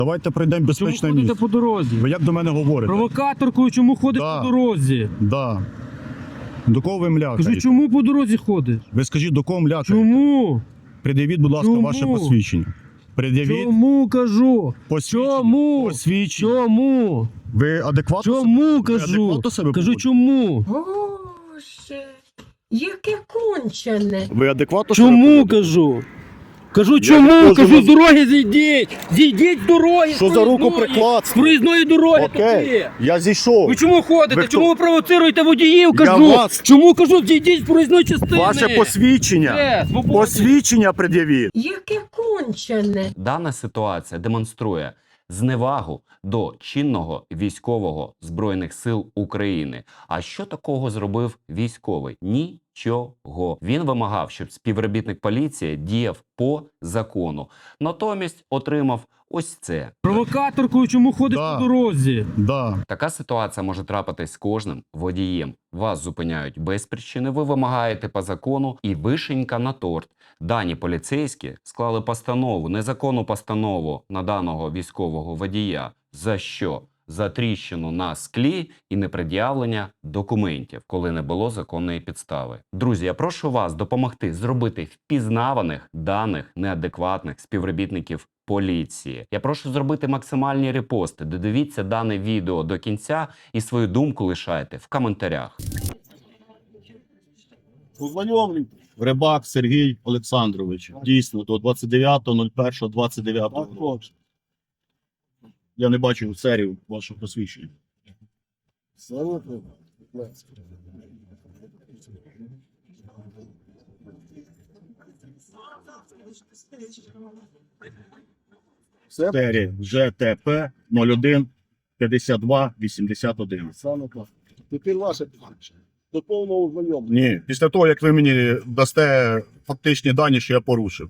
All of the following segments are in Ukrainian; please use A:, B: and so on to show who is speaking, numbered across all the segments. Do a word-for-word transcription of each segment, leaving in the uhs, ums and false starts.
A: Давайте пройдемо безпечне
B: Чому ходите
A: місце.
B: по дорозі?
A: Ви як до мене говорите?
B: Провокаторкою чому ходиш
A: Да.
B: по дорозі?
A: Да. До кого ви млякаєте?
B: Кажу, чому по дорозі ходиш?
A: Ви скажіть, до кого млякаєте?
B: Чому?
A: Пред'явіть, будь ласка,
B: Чому?
A: ваше посвідчення. Пред'явіть
B: Чому кажу?
A: посвідчення.
B: Чому?
A: Посвідчення.
B: Чому?
A: Ви адекватно?
B: Чому
A: Ви
B: кажу?
A: адекватно себе
B: Кажу,
A: поводите?
B: чому?
C: Боже, яке кончене.
A: Ви адекватно себе
B: Чому
A: поводите?
B: кажу? Кажу,
A: не
B: чому?
A: можу
B: Кажу,
A: вас-
B: з дороги зійдіть! Зійдіть з дороги!
A: Що
B: з
A: за руку
B: проїзної!
A: прикладство?
B: З проїзної дороги
A: Окей,
B: туди!
A: я зійшов.
B: Ви чому ходите?
A: Ви хто?
B: Чому ви провоцируєте водіїв?
A: Я
B: Кажу!
A: вас-
B: Чому кажу, зійдіть з проїзної частини?
A: Ваше посвідчення.
B: Все, свободні.
A: Посвідчення пред'явіть.
C: Яке кончене.
D: Дана ситуація демонструє зневагу до чинного військового Збройних сил України. А що такого зробив військовий? Нічого. Він вимагав, щоб співробітник поліції діяв по закону. Натомість отримав ось це.
B: Провокаторкою чому ходиш
A: Да.
B: по дорозі?
A: Да.
D: Така ситуація може трапитись з кожним водієм. Вас зупиняють без причини, ви вимагаєте по закону і вишенька на торт. Дані поліцейські склали постанову, незаконну постанову на даного військового водія. За що? За тріщину на склі і непред'явлення документів, коли не було законної підстави. Друзі, я прошу вас допомогти зробити впізнаваних даних неадекватних співробітників поліції. Я прошу зробити максимальні репости. Додивіться дане відео до кінця і свою думку лишайте в коментарях.
E: Познайомлюй. Рибак Сергій Олександрович. Дійсно, до двадцять дев'ятого першого двадцять дев'ятого року. Я не бачив серію вашого посвідчення. Серія Ж Т П нуль один п'ятдесят два вісімдесят один.
F: Саме так. Тепер ваше питання. До повного ознайомлення.
A: Ні. Після того, як ви мені дасте фактичні дані, що я порушив.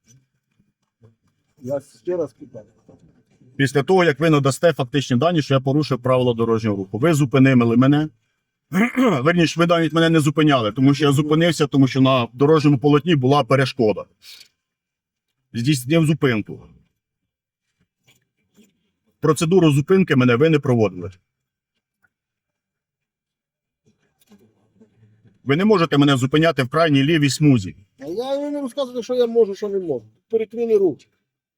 F: Я ще раз питаю.
A: Після того, як ви надасте фактичні дані, що я порушив правила дорожнього руху. Ви зупинили мене. Верніше, ви навіть мене не зупиняли, тому що я зупинився, тому що на дорожньому полотні була перешкода. Здійснив зупинку. Процедуру зупинки мене ви не проводили. Ви не можете мене зупиняти в крайній лівій смузі.
F: А я вам не розказую, що я можу, що не можу. Перекрили руки.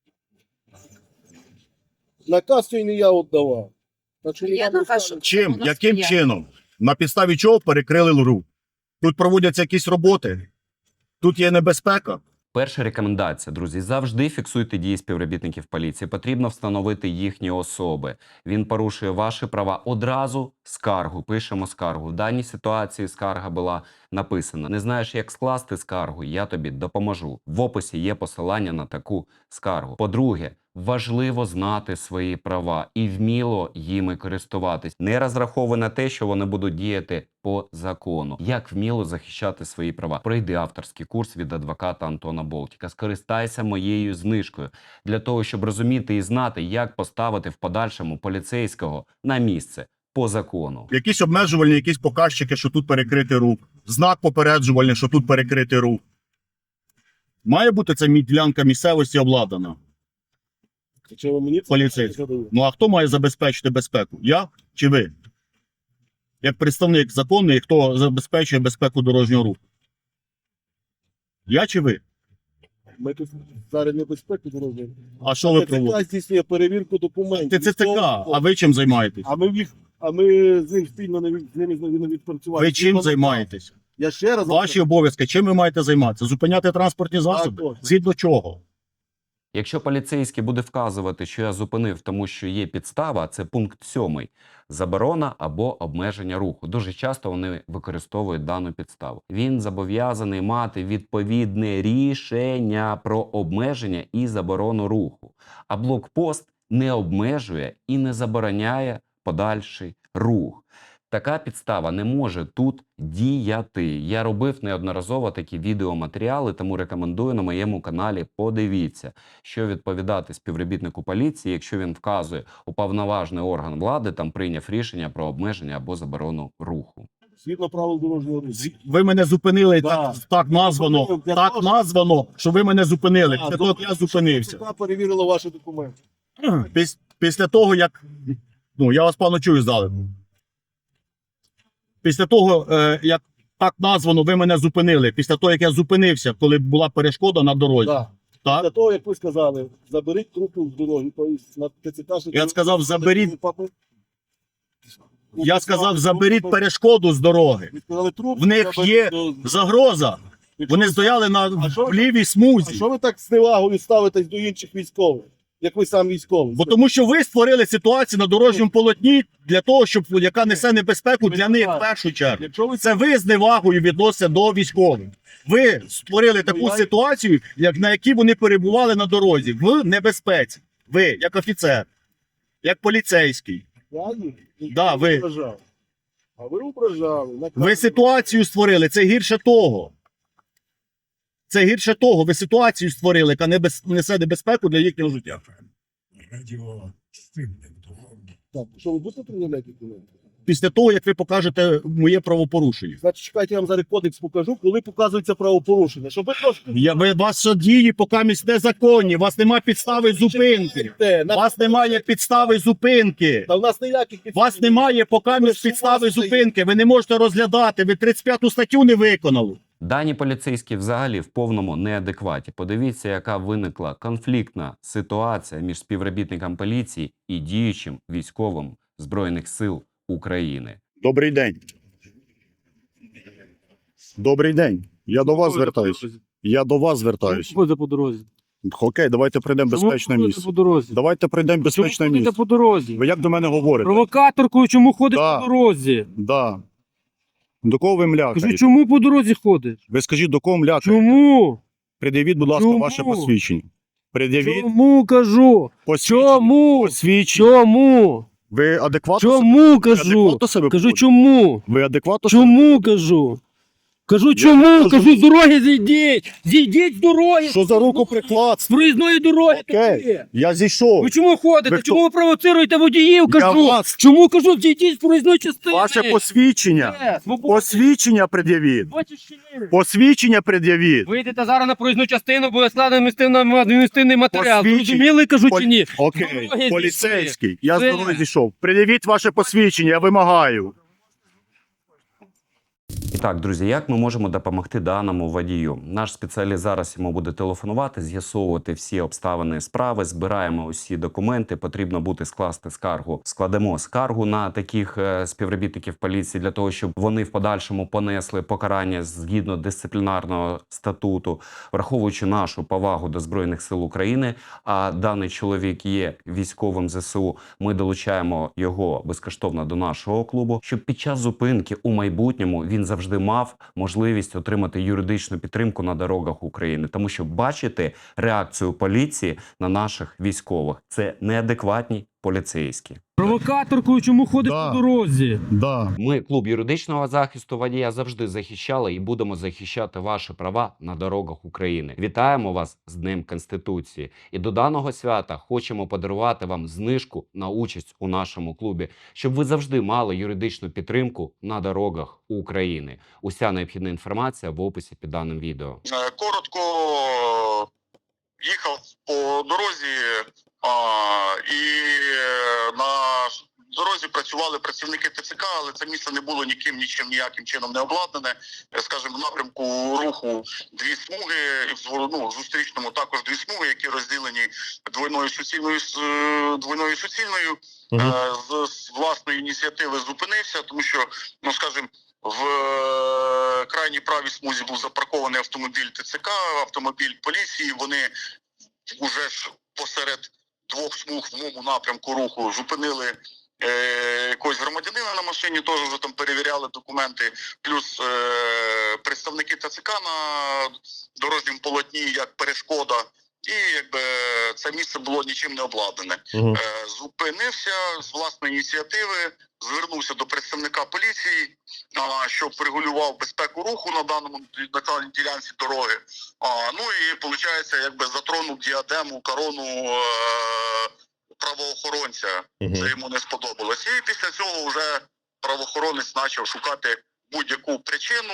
F: Наказ цей не я віддавав. Так що не
C: Я
F: вам
C: наказ-
F: розказую.
A: Чим?
C: У нас
A: Яким
C: є.
A: чином? На підставі чого перекрили рух? Тут проводяться якісь роботи? Тут є небезпека?
D: Перша рекомендація, друзі, завжди фіксуйте дії співробітників поліції. Потрібно встановити їхні особи. Він порушує ваші права. Одразу скаргу, пишемо скаргу. В даній ситуації скарга була написана. Не знаєш, як скласти скаргу? Я тобі допоможу. В описі є посилання на таку скаргу. По-друге, важливо знати свої права і вміло їми користуватись. Не розраховуй на те, що вони будуть діяти по закону. Як вміло захищати свої права? Пройди авторський курс від адвоката Антона Болтіка. Скористайся моєю знижкою для того, щоб розуміти і знати, як поставити в подальшому поліцейського на місце по закону.
A: Якісь обмежувальні, якісь показчики, що тут перекритий рух. Знак попереджувальний, що тут перекритий рух. Має бути ця мі- ділянка місцевості обладнана?
F: Чи ви мені це
A: Поліцейський.
F: задаєте?
A: Ну а хто має забезпечити безпеку? Я чи ви? Як представник законний, хто забезпечує безпеку дорожнього руху? Я чи ви?
F: Ми тут зараз небезпеку дорожньої.
A: А що ви
F: Т Ц К
A: проводите?
F: здійснює перевірку документів.
A: Ти Ц Ц К, а ви чим займаєтесь?
F: А ми, їх, а ми з ним спільно не, від- з ними не відпрацювали.
A: Ви чим займаєтесь?
F: Я ще раз...
A: Ваші обов'язки, чим ви маєте займатися? Зупиняти транспортні засоби?
F: точно.
A: Згідно чого?
D: Якщо поліцейський буде вказувати, що я зупинив, тому що є підстава, це пункт сьомий. Заборона або обмеження руху. Дуже часто вони використовують дану підставу. Він зобов'язаний мати відповідне рішення про обмеження і заборону руху. А блокпост не обмежує і не забороняє подальший рух. Така підстава не може тут діяти. Я робив неодноразово такі відеоматеріали, тому рекомендую на моєму каналі. Подивіться, що відповідати співробітнику поліції, якщо він вказує уповноважений орган влади, там прийняв рішення про обмеження або заборону руху.
F: Згідно правил дорожнього руху.
A: З- Ви мене зупинили,
F: Да.
A: так, так названо,
F: Для
A: так
F: того,
A: названо, що ви мене зупинили.
F: А,
A: Після того,
F: добре,
A: як я зупинився.
F: Т Ц К перевірила ваші документи.
A: Піс- Після того, як. Ну, я вас пану чую здалеку. Після того, е, як так названо, ви мене зупинили. Після того, як я зупинився, коли була перешкода на дорозі.
F: Так.
A: Так?
F: Для того, як ви сказали, заберіть трупу з дороги. Тобто на ТЦК...
A: Я сказав, заберіть-
F: Папи-
A: Я сказав, заберіть перешкоду з дороги.
F: Ви сказали труп.
A: В них
F: заберіть
A: є
F: до-
A: загроза. Вони стояли на
F: А що
A: в
F: ви-
A: лівій
F: А
A: смузі.
F: що ви так з невагою ставитесь до інших військових? Як ви сам військовий?
A: Бо тому, що ви створили ситуацію на дорожньому полотні для того, щоб яка несе небезпеку для них в першу чергу.
F: Якщо ви
A: Це ви з невагою відносите до військових. Ви створили таку
F: Ну, я-
A: ситуацію, як на якій вони перебували на дорозі в небезпеці. Ви, як офіцер, як поліцейський.
F: Я ні,
A: Да,
F: не
A: ви.
F: ображав. А ви ображали.
A: Ви ситуацію створили, це гірше того. Це гірше того. Ви ситуацію створили, яка небез... несе небезпеку для їхнього життя.
F: Так, що ви будете пред'являти документи?
A: Після того, як ви покажете моє правопорушення.
F: Значить, чекайте, я вам зараз кодекс покажу, коли показується правопорушення. Щоб ви трошки...
A: Я, ви, ваші дії покамість незаконні, у вас немає підстави зупинки.
F: Те,
A: У
F: на...
A: вас немає підстави зупинки.
F: Та в нас ніяких...
A: У вас немає покамість підстави зупинки. Ви не можете розглядати. Ви тридцять п'яту статтю не виконали.
D: Дані поліцейські взагалі в повному неадекваті. Подивіться, яка виникла конфліктна ситуація між співробітником поліції і діючим військовим Збройних сил України.
A: Добрий день. Добрий день. Я до вас звертаюсь. Я до вас звертаюсь.
B: Ходите по дорозі.
A: Окей, давайте прийдемо в безпечне
B: Чому
A: місце.
B: ходите по дорозі?
A: Давайте прийдемо в безпечне
B: Чому ходите
A: місце.
B: по дорозі?
A: Ви як до мене говорите?
B: Провокаторкою чому ходиш
A: Да.
B: по дорозі?
A: Да. До кого ви
B: Кажу,
A: млякаєте?
B: чому по дорозі ходиш?
A: Ви скажіть, до кого млякаєте?
B: Чому?
A: Пред'явіть, будь ласка,
B: Чому?
A: ваше посвідчення. Пред'явіть
B: Чому кажу?
A: посвідчення.
B: Чому?
A: Посвідчення.
B: Чому?
A: Ви адекватно
B: Чому
A: себе,
B: кажу?
A: адекватно себе
B: Кажу,
A: поводите?
B: чому?
A: Ви адекватно себе
B: Чому кажу? Кажу,
A: Я
B: чому?
A: кажу-
B: Кажу, з дороги зійдіть! Зійдіть з дороги!
A: Що за руку
B: З
A: прикладство?
B: проїзної дороги
A: Окей,
B: такі!
A: я зійшов.
B: Ви чому ходите?
A: Ви хто?
B: Чому ви провоцируєте водіїв?
A: Я
B: Кажу!
A: вас-
B: Чому кажу, зійдіть з проїзної частини?
A: Ваше посвідчення.
B: Е, свобода.
A: Посвідчення пред'явіть.
B: Бачиш чи ні?
A: Посвідчення пред'явіть.
B: Вийдете зараз на проїзну частину, буде складено адміністративний матеріал.
A: Посвідчення.
B: Зрозуміли, кажу,
A: Пол-
B: чи ні?
A: Окей,
B: Дороги
A: поліцейський. Я з
B: Все.
A: дороги зійшов. Пред'явіть ваше посвідчення, я вимагаю.
D: І так, друзі, як ми можемо допомогти даному водію? Наш спеціаліст зараз йому буде телефонувати, з'ясовувати всі обставини справи, збираємо усі документи, потрібно буде скласти скаргу. Складемо скаргу на таких е, співробітників поліції для того, щоб вони в подальшому понесли покарання згідно дисциплінарного статуту, враховуючи нашу повагу до Збройних сил України, а даний чоловік є військовим ЗСУ, ми долучаємо його безкоштовно до нашого клубу, щоб під час зупинки у майбутньому він завжди мав можливість отримати юридичну підтримку на дорогах України. Тому що бачити реакцію поліції на наших військових – це неадекватні поліцейські.
B: Провокаторкою чому ходиш
A: Да.
B: по дорозі?
A: Да.
D: Ми, клуб юридичного захисту водія, завжди захищали і будемо захищати ваші права на дорогах України. Вітаємо вас з Днем Конституції. І до даного свята хочемо подарувати вам знижку на участь у нашому клубі, щоб ви завжди мали юридичну підтримку на дорогах України. Уся необхідна інформація в описі під даним відео.
G: Е, Коротко їхав по дорозі, а, і е, на дорозі працювали працівники ТЦК, але це місце не було ніким, нічим, ніяким чином не обладнане. Е, Скажімо, в напрямку руху дві смуги, і в зво- ну, в зустрічному також дві смуги, які розділені двойною суцільною, с- е, двойною суцільною. Е, З, з власної ініціативи зупинився, тому що, ну скажімо, в е, крайній правій смузі був запаркований автомобіль ТЦК, автомобіль поліції. Вони вже ж посеред двох смуг в моєму напрямку руху зупинили е, якогось громадянина на машині, теж вже там перевіряли документи, плюс е, представники ТЦК на дорожньому полотні як перешкода. І якби це місце було нічим не обладнане. Е, зупинився з власної ініціативи, звернувся до представника поліції, а, щоб регулював безпеку руху на даному на даній ділянці дороги. А, ну і виходить, якби затронув діадему, корону е, правоохоронця. Це йому не сподобалось. І після цього вже правоохоронець почав шукати будь-яку причину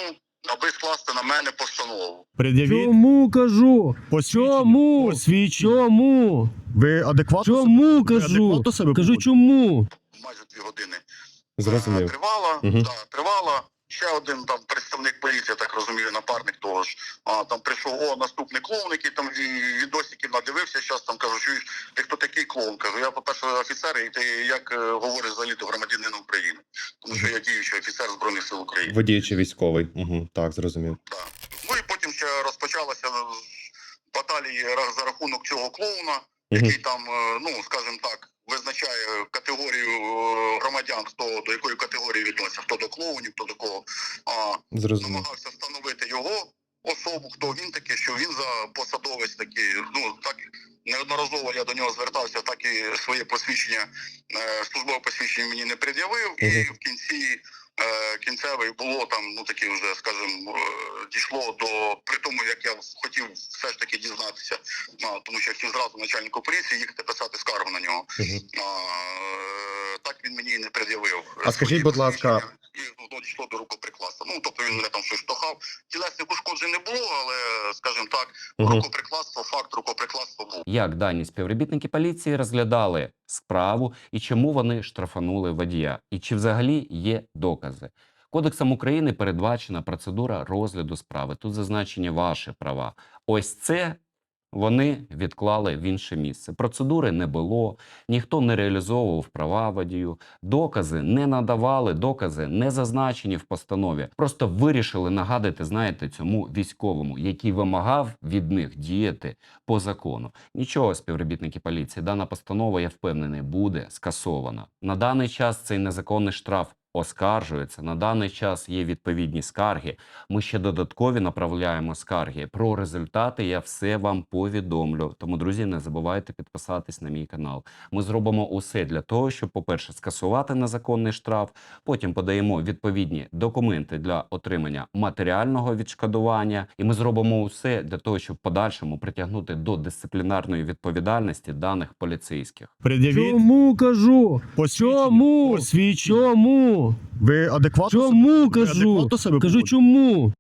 G: аби скласти на мене постанову.
A: Пред'явіть
B: Чому кажу?
A: посвідчення.
B: Чому?
A: Посвідчення.
B: Чому?
A: Ви адекватно
B: Чому
A: себе, ви
B: кажу?
A: адекватно себе
B: Кажу,
A: поводите?
B: чому?
G: Майже дві години.
H: Зрозумів.
G: Е, Тривала,
H: Мгм.
G: да, тривала. Ще один там представник поліції, я так розумію, напарник того ж. А там прийшов о, наступний клоун, який там ві- відосиків надивився. Зараз там кажу, що ти хто такий клоун? Кажу, я, по-перше, офіцер, і ти як е, говориш взагалі до громадянина України, тому що я діючий офіцер Збройних сил України.
H: Водій чи військовий. Угу, так, зрозумів.
G: Так. Ну і потім ще розпочалася баталії ра- за рахунок цього клоуна,
H: Мгм.
G: який там, е, ну скажімо так, визначає категорію е, громадян, хто до якої категорії відноситься, хто до клоунів, хто до кого. А,
H: Зрозумів.
G: намагався встановити його особу, хто він такий, що він за посадовець такий. Ну так неодноразово я до нього звертався, так і своє посвідчення, е, службове посвідчення мені не пред'явив, і
H: Мгм.
G: в кінці е, кінцевий було там, ну таке вже, скажімо, е, дійшло до при тому, як я хотів все ж таки дізнатися, а, тому що я хотів зразу начальнику поліції їхати писати скаргу на нього.
H: Мгм.
G: А, е, так він мені і не пред'явив.
H: А скажіть, будь ласка,
G: І ну, дійшло до рукоприкладства. Ну, тобто він мене там щось штовхав. Тілесних ушкоджень не було, але, скажімо так,
H: Мгм.
G: рукоприкладство, факт рукоприкладства був.
D: Як дані співробітники поліції розглядали справу і чому вони штрафанули водія? І чи взагалі є докази? Кодексом України передбачена процедура розгляду справи. Тут зазначені ваші права. Ось це вони відклали в інше місце. Процедури не було, ніхто не реалізовував права водію, докази не надавали, докази не зазначені в постанові. Просто вирішили нагадати, знаєте, цьому військовому, який вимагав від них діяти по закону. Нічого, співробітники поліції, дана постанова, я впевнений, буде скасована. На даний час цей незаконний штраф оскаржується. На даний час є відповідні скарги. Ми ще додаткові направляємо скарги. Про результати я все вам повідомлю. Тому, друзі, не забувайте підписатись на мій канал. Ми зробимо усе для того, щоб, по-перше, скасувати незаконний штраф, потім подаємо відповідні документи для отримання матеріального відшкодування, і ми зробимо усе для того, щоб в подальшому притягнути до дисциплінарної відповідальності даних поліцейських.
A: Пред'явіть
B: Чому кажу?
A: посвідчення.
B: Чому?
A: Посвідчення.
B: Чому?
A: Ви адекватно
B: Чому
A: себе, ви
B: кажу?
A: адекватно себе
B: Кажу,
A: поводите?
B: чому?